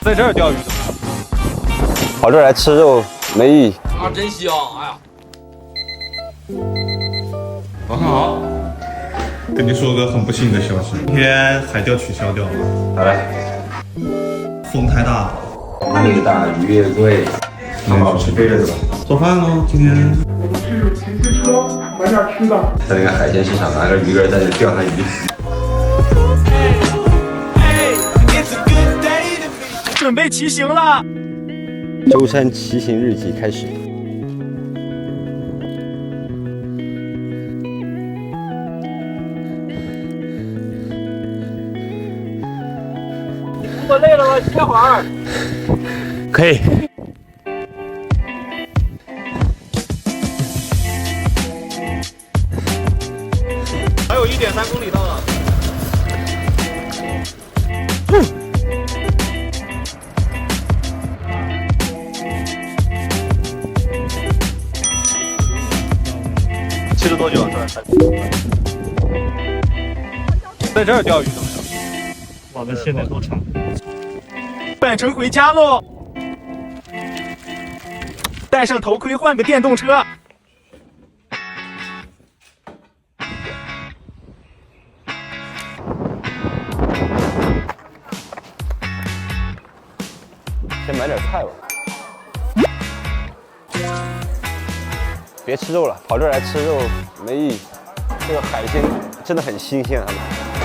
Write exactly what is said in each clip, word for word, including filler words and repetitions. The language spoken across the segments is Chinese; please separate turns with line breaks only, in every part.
在这儿钓鱼的，
跑这儿来吃肉没意义。
啊，真香！哎呀，
早上好，跟你说个很不幸的消息，今天海钓取消掉了。
好嘞，
风太大，
风越大鱼越贵，
他们是背着的吧？做饭喽，今天。
去骑自车买点吃的。
在那个海鲜市场拿个鱼竿在那钓上鱼。
准备骑行了。
舟山骑行日记开始。
我累了，我歇会儿。可以。还有一点三公里到了。嗯。骑了多久？在这儿钓鱼怎么样？
我们现在多长？
返程回家喽！戴上头盔，换个电动车。
先买点菜吧。别吃肉了，跑这儿来吃肉没意义。这个海鲜真的很新鲜，他们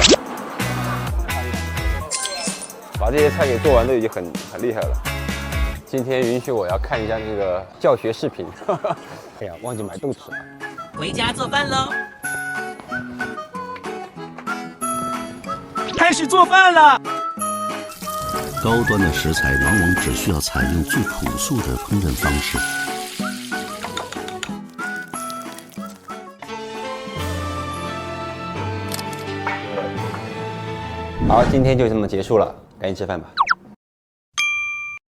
把这些菜给做完都已经很很厉害了。今天允许我要看一下那个教学视频。哎呀，忘记买豆豉了。
回家做饭喽！
开始做饭了。
高端的食材往往只需要采用最朴素的烹饪方式。
好，今天就这么结束了，赶紧吃饭吧。